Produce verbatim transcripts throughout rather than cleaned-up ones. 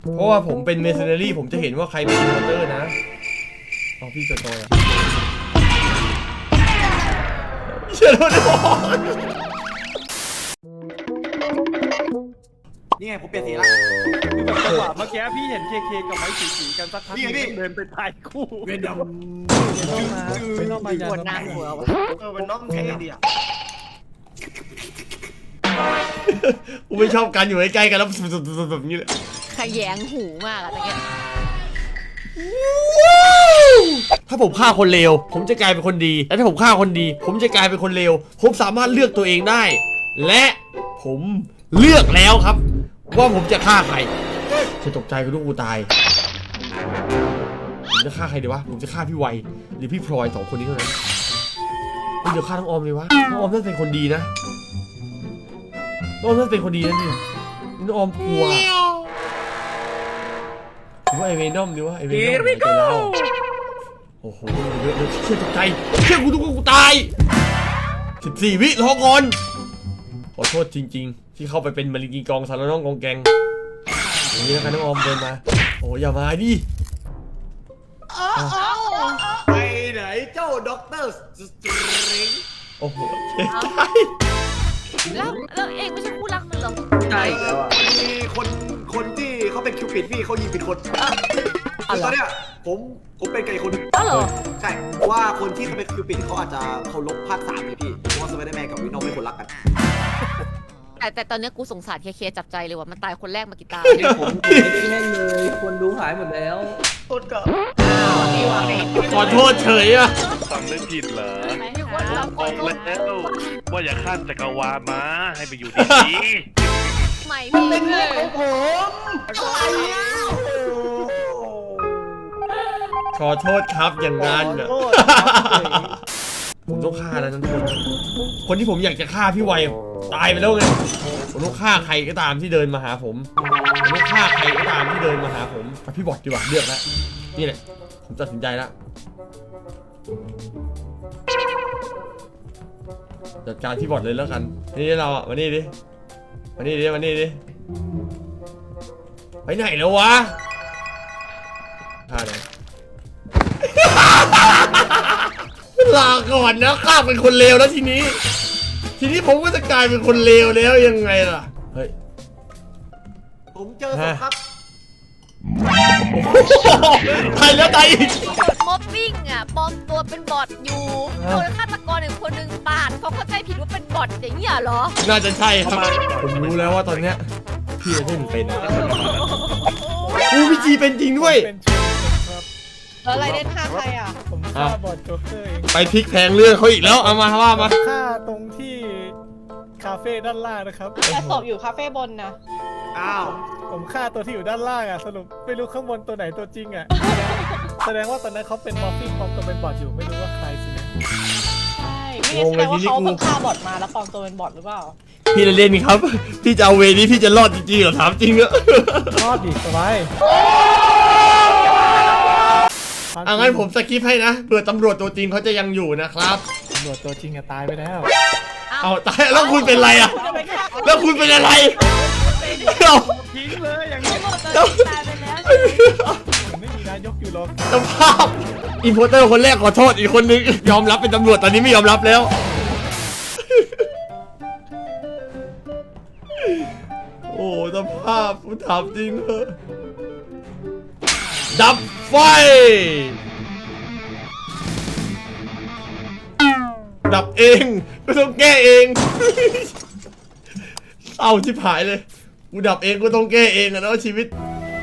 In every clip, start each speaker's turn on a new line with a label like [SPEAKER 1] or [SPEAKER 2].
[SPEAKER 1] เพราะว่าผมเป็นเมสเซนเนอรี่ผมจะเห็นว่าใครเป็นอินโพเตอร์นะเอาพี่จะโตอ่ะเชื่อแล้วนะ
[SPEAKER 2] นี่ไงผมเปลี่ยนสีละ
[SPEAKER 3] คือแบบจังหวะเมื่อกี้พี่เห็นเคเคกับไม้สีสีกันสักพักเดินไปตายคู่
[SPEAKER 2] เวนดำ
[SPEAKER 3] ไม่ต้องมา
[SPEAKER 4] ปวดนางหัววะ
[SPEAKER 2] เออเป็นน้องแข็งดีอ่ะ
[SPEAKER 1] กูไม่ชอบการอยู่ใกล้ๆกันแล้วแบบนี้เลย
[SPEAKER 4] ขยงหูมากอะตะเกียบ
[SPEAKER 1] ถ้าผมฆ่าคนเลวผมจะกลายเป็นคนดีและถ้าผมฆ่าคนดีผมจะกลายเป็นคนเลวผมสามารถเลือกตัวเองได้ และผมเลือกแล้วครับว่าผมจะฆ่าใครจะตกใจกับลูกกูตายผมจะฆ่าใครดีวะผมจะฆ่าพี่ไวหรือพี่พลอยสองคนนี้เท่านั้นเดี๋ยวฆ่าน้องออมเลยวะน้องออมน่าจะเป็นคนดีนะน้องออมน่าจะเป็นคนดีนะนี่น้องออมกลัวผมว่าไอเวนอมดีวะไอเวนอมไหนใจเราโอ้โหเยอะเลยเชื่อตกใจเชื่อกูทุกคนกูตายสิบสี่วิรอก่อนขอโทษจริงๆที่เข้าไปเป็นมาริกีกองสารน้องกองแกงอย่างนี้นะครับน้องออมเดินมาโอ้อย่ามาดิ
[SPEAKER 2] ไปไหนเจ้าด็อกเตอร์สตริง
[SPEAKER 1] โอ้โหเจ๊ใจ
[SPEAKER 4] แล้วแล้วเองไม่ใช่คู่รักมันเหรอ
[SPEAKER 2] ใช่มีคนคนที่เขาเป็นคิวปิดพี่เขายิงผิดคนตอนเนี้ยผมผมเป็นไก่คน
[SPEAKER 4] อ๋อเหรอ
[SPEAKER 2] ใช่เพราะว่าคนที่เขาเป็นคิวปิดเขาอาจจะเคารพภาคสามเลยพี่เพราะว่าสไปเดอร์แมนกับวินอมไม่คนรักกัน
[SPEAKER 4] แต่แต่ตอนนี้กูสงสารเคเคจับใจเลยว่ามันตายคนแรกมากี่ตา
[SPEAKER 5] ผมผมไม่ได้แน่เลยคนดูหายหมดแล้ว
[SPEAKER 2] ต้นก็
[SPEAKER 1] ขอโทษเฉยอะ
[SPEAKER 6] ฟังไม่ผิดเหรอ
[SPEAKER 4] มีคนรับ
[SPEAKER 6] บอกแล้วว่าอย่าข้ามจักรวาลมาให้ไปอยู่ดี
[SPEAKER 4] ใหม่พี่เป็นเลย
[SPEAKER 2] ผมอะไรอ่ะ
[SPEAKER 1] ขอโทษครับอย่างนั้นอะผมต้องฆ่าแล้วทุกคนคนที่ผมอยากจะฆ่าพี่ไวตายไปแล้วไงผมต้องฆ่าใครก็ตามที่เดินมาหาผมผมต้องฆ่าใครก็ตามที่เดินมาหาผมพี่บอทดีกว่าเลือกแล้วนี่แหละผมตัดสินใจแล้วจัดการพี่บอทเลยแล้วกันนี่เราอ่ะมานี่ดิมานี่ดิมานี่ดิไปไหนแล้ววะฆ่าเลยลาก่อนนะข้าเป็นคนเลวแล้วทีนี้ทีนี้ผมก็จะกลายเป็นคนเลวแล้วยังไงล่ะเฮ้ย
[SPEAKER 2] ผมเจอศพครับ
[SPEAKER 1] ตายแล้วตายอีก
[SPEAKER 4] ม็อบบิ้งอ่ะปลอมตัวเป็นบอทอยู่โดนฆาตกรหนึ่งคนหนึ่งปาดเขาเข้าใจผิดว่าเป็นบอทอย่างนี้เหรอ
[SPEAKER 1] น่าจะใช่ครับผมรู้แล้วว่าตอนเนี้ยพี่จะเล่นเป็นอู้พี่จีเป็นจริงด้วย
[SPEAKER 3] เป็นชุดครับ
[SPEAKER 4] แล้วอะไรเล่นฆ่าใครอ่ะ
[SPEAKER 3] ผมฆ่าบอดโจ๊กเกอร์เอง
[SPEAKER 1] ไปพลิกแพงเรื่องเขาอีกแล้วเอามาว่ามา
[SPEAKER 3] ฆ่าตรงที่คาเฟ่ด้านล่างนะครับ
[SPEAKER 7] แต่ศพอยู่คาเฟ่บนนะ
[SPEAKER 2] อ้าว
[SPEAKER 3] ผมฆ่าตัวที่อยู่ด้านล่างอ่ะสรุปไม่รู้ข้างบนตัวไหนตัวจริงอ่ะแสดงว่าตอนนั้นเขาเป็นมอร์ฟิงปลอมตัวเป็นบอทอยู่ไม่รู้ว่าใครสินะ
[SPEAKER 7] ใช่ไม่แน่ใจว่าเขาเพิ่งฆ่าบอทมาแล้วปลอมตัวเป็นบอทหรือเปล่า
[SPEAKER 1] พี่เล่นครับพี่จะเอาเวนี้พี่จะรอดจริงๆเหรอถามจริงอะ
[SPEAKER 3] รอดดิสบาย
[SPEAKER 1] อ่ะงั้นผมสกิปให้นะเผื่อตำรวจตัวจริงเขาจะยังอยู่นะครับ
[SPEAKER 3] ตำรวจตัวจริงอะตายไปแล้ว
[SPEAKER 1] เอาตายแล้วคุณเป็นอะไรอะแล้วคุณเป็นอะไรเอา
[SPEAKER 3] ทิ้งเลยอย่างนี้
[SPEAKER 4] ตายไปแล้ว
[SPEAKER 3] ผมไม่มีนายกอยู่หรอก
[SPEAKER 1] สภาพอินโพเตอร์คนแรกขอโทษอีกคนนึงยอมรับเป็นตำรวจตอนนี้ไม่ยอมรับแล้วโอ้สภาพผมถามจริงเลยดับไฟดับเองไม่ต้องแก้เองเศร้าชิบหายเลยกูดับเองก็ต้องแก้เองอะเนาะชีวิต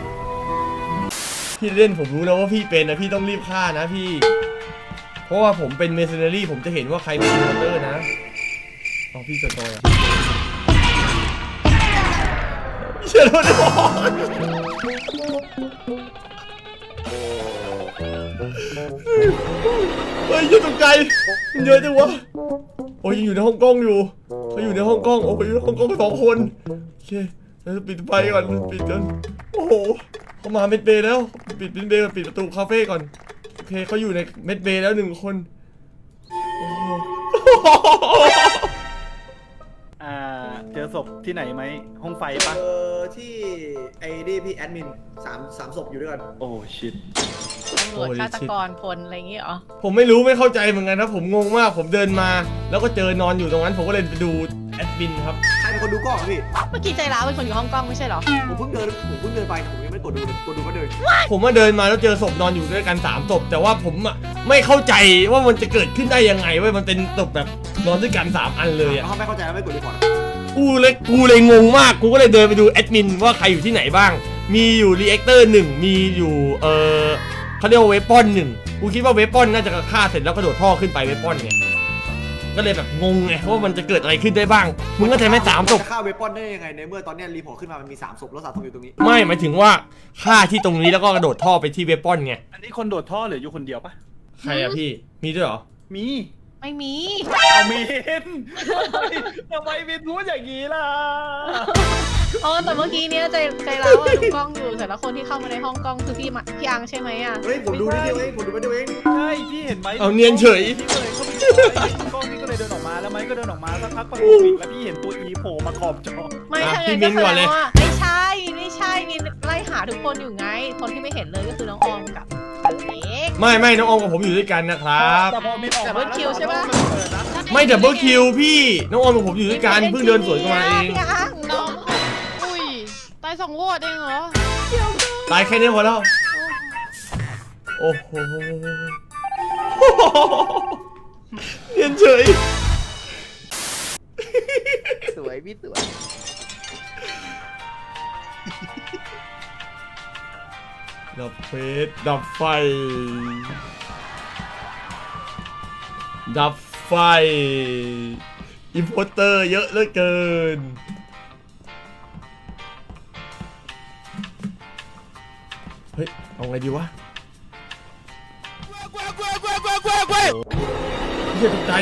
[SPEAKER 1] พี่เล่นผมรู้แล้วว่าพี่เป็นนะพี่ต้องรีบฆ่านะพี่เพราะว่าผมเป็นเมสเซนเนอรี่ผมจะเห็นว่าใครเป็นอินโพเตอร์นะเอาพี่จะโตอ่ะเชื่อแล้วนะเฮ้ยยังตกใจมันเยอะจังวะโอ้ยยังอยู่ในห้องกล้องอยู่เขาอยู่ในห้องกล้องโอ้ยอยู่ในห้องกล้องสองคนโอเคเราจะปิดไฟก่อนปิดกันโอ้โหเขามาเม็ดเบย์แล้วปิดเม็ดเบย์ปิดประตูคาเฟ่ก่อนโอเคเขาอยู่ในเม็ดเบย์แล้วหนึ่งคนโอ้โห
[SPEAKER 3] อ่าเจ
[SPEAKER 8] จอศพที่ไหนไหมห้องไฟ
[SPEAKER 2] เจ
[SPEAKER 8] ปะ
[SPEAKER 2] อที่ไอ้นี่พี่แอดมินสามสามศพอยู่ด้วยกัน
[SPEAKER 8] โอ้ชิต
[SPEAKER 7] ตำรวจฆาตกรพลอะไรอย่างเงี้ยเหรอ
[SPEAKER 1] ผมไม่รู้ไม่เข้าใจเหมือนกันนะผมงงมากผมเดินมา แล้วก็เจอนอนอยู่ตรงนั้นผมก็เลยไปดูแอดมินครับ
[SPEAKER 2] ใครเป็นคนดูกล้องอะพี่
[SPEAKER 7] เมื่อกี้ใจร้าวเป็นคนอยู่ห้องกล้องไม่ใช่เหรอ
[SPEAKER 2] ผมเพิ่งเดินผมเพิ่งเดินไปแต่ผมยังไม่กดดูเลยกดดูก็เดิน
[SPEAKER 1] ผมมาเดินมาแล้วเจอศพนอนอยู่ด้วยกันสามศพแต่ว่าผมอะไม่เข้าใจว่ามันจะเกิดขึ้นได้ยังไงเว้ยมันเป็นศพแบบนอนด้วยกันสามอันเลย
[SPEAKER 2] แล้ว
[SPEAKER 1] อะ
[SPEAKER 2] เขาไม่เข้าใจแล้วไม่กดรีพอร์ต
[SPEAKER 1] กูเลยกูเลยงงมากกูก็เลยเดินไปดูแอดมินว่าใครอยู่ที่ไหนบ้าง มีอยู่รีแอคเตอร์หนึ่งมีอยู่เออเขาเรียกว่าเวปอนหนึ่งกูคิดว่าเวปอนน่าจะฆ่าเสร็จแล้วกระโดดท่อขึ้นไปเวปอนไงก็เลยแบบงงไงว่ามันจะเกิดอะไรขึ้นได้บ้างมึงก็ใจไหม่สามศพ
[SPEAKER 2] จะฆ่าเวปอนได้ยังไงในเมื่อตอนเนี้ยรีพอร์ตขึ้นมามันมีสามศพแล้วสามศพอยู่ตรงนี้
[SPEAKER 1] ไม่หมายถึงว่าฆ่าที่ตรงนี้แล้วก็กระโดดท่อไปที่เวปอนไง
[SPEAKER 8] อันนี้คนโดดท่อเหลืออยู่คนเดียวปะ
[SPEAKER 1] ใครอะพี่มีด้วยเหรอ
[SPEAKER 8] มี
[SPEAKER 7] ไม่มี
[SPEAKER 8] เอาเมนทำไมเมนพูดอย่างนี้ล่ะ
[SPEAKER 7] เออแต่เมื่อกี้เนี้ยใจใจร้าวอะดูกล้องอยู่แต่ละคนที่เข้ามาในห้องกล้องคือพี่มาพี่อังใช่ไหมอ่ะ
[SPEAKER 2] เฮ้ยผมดูนิดเดียวเองผมดูไปเดียวเอง
[SPEAKER 8] ใช่พี่เห็นไหม
[SPEAKER 1] เอาเนียนเฉย
[SPEAKER 8] พี่ก็เลยเข้าไปดูกล้องพี่ก็เลยเดินออกมาแล้วไม้ก็เดินออกมาสักพักประตูปิดแล้วพี่เห็นตัวอีโผล่มาขอบจอ
[SPEAKER 7] ไม่
[SPEAKER 1] อ่ะ
[SPEAKER 7] ถ้า
[SPEAKER 1] พี่
[SPEAKER 7] งั้น
[SPEAKER 1] มิ้
[SPEAKER 7] ก็
[SPEAKER 1] น
[SPEAKER 7] แส
[SPEAKER 1] ก่อนเลย
[SPEAKER 7] ดงว่าไม่ใช่ไม่ใช่มีไล่หาทุกคนอยู่ไง คนที่ไม่เห็นเลยก็คือน้องออมกับอเล็ก
[SPEAKER 1] ไม่ไม่น้องออมกับผมอยู่ด้วยกันนะครับ
[SPEAKER 8] แต่พอเมนออกมา
[SPEAKER 7] ดับเบิลคิวใช่ปะ
[SPEAKER 8] มันเปิดนะ
[SPEAKER 1] ไม่ดับเบิลคิวพี่น้องออมกับผมอยู่ด้วยกันเพิ่งเดินสวนกันมาเอง
[SPEAKER 7] พี่อัง
[SPEAKER 4] น้องอุ้ยตายสองโหวตเองเหรอ
[SPEAKER 1] ตายแค่นี้พอแล้วโอ้โหเนียนเฉย
[SPEAKER 5] สวยพี่สวย
[SPEAKER 1] ดับเฟสดับไฟ ดับไฟ อิมโพเตอร์เยอะเหลือเกิน เฮ้ย เอาไงดีวะเฮียตกใจ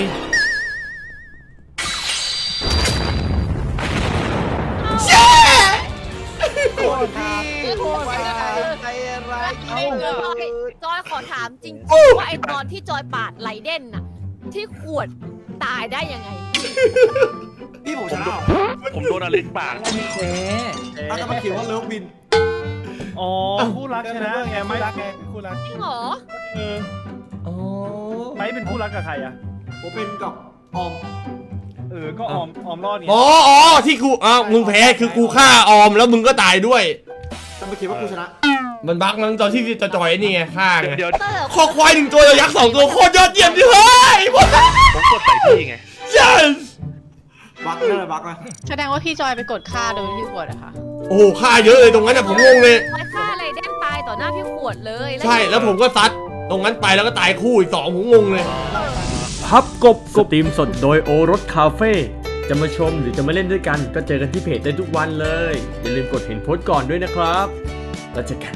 [SPEAKER 2] โคตรพี่โคตรใจร้าย
[SPEAKER 4] จอยจอยขอถามจริงๆว่าไอตอนที่จอยปาดไหลเด่นน่ะ ที่ขวดตายได้ยังไง
[SPEAKER 2] พี่ผมชนะ
[SPEAKER 6] ผมโดนอเล็กปาก
[SPEAKER 5] แหม
[SPEAKER 2] ถ้าจะมาเขียนว่าเลิฟวิน
[SPEAKER 8] อ๋อคู่รักชนะไง
[SPEAKER 3] ไม่
[SPEAKER 8] ไม่
[SPEAKER 3] รักไงคู่รัก
[SPEAKER 4] จริงเหรอ
[SPEAKER 8] เออ
[SPEAKER 1] อ๋อ
[SPEAKER 8] ไม่เป็นคู่รักกับใครอ่ะ
[SPEAKER 2] ผมเป็นกับออม
[SPEAKER 8] เออก็ออมออมรอดไง
[SPEAKER 1] อ๋ออ๋อที่กูอ้าวมึงแพ้คือกูฆ่าออมแล้วมึงก็ตายด้วย
[SPEAKER 2] จะมาเขียนว่ากูชนะ
[SPEAKER 1] มันบั๊กมั้งตอนที่จะจอยนี่ไงฆ่าไง
[SPEAKER 6] เดี๋ยว
[SPEAKER 4] เตอร์
[SPEAKER 1] คอควายหนึ่งตัวยักษ์สองตัวโคตรยอดเยี่ยมดิเฮ้ยหมด
[SPEAKER 6] ผมกดใส่พี่ไง
[SPEAKER 1] yes
[SPEAKER 2] บักนั่นแหละบักนะ
[SPEAKER 7] แสดงว่าพี่จอยไปกดค่าโดยที่ขวดอะค่ะ
[SPEAKER 1] โอ้โหฆ่าเยอะเลยตรงนั้นอะผมงงเลย
[SPEAKER 4] จอยฆ่าอะไรเด่นตายต่อหน้าพี่ขวดเลย
[SPEAKER 1] ใช่แล้วผมก็ซัดตรงนั้นไปแล้วก็ตายคู่อีกสองผมงงเลย
[SPEAKER 9] พับกบสตรีมสดโดยโอรสคาเฟ่จะมาชมหรือจะมาเล่นด้วยกัน ก็เจอกันที่เพจได้ทุกวันเลย อย่าลืมกดเห็นโพสต์ก่อนด้วยนะครับแล้วเจอกัน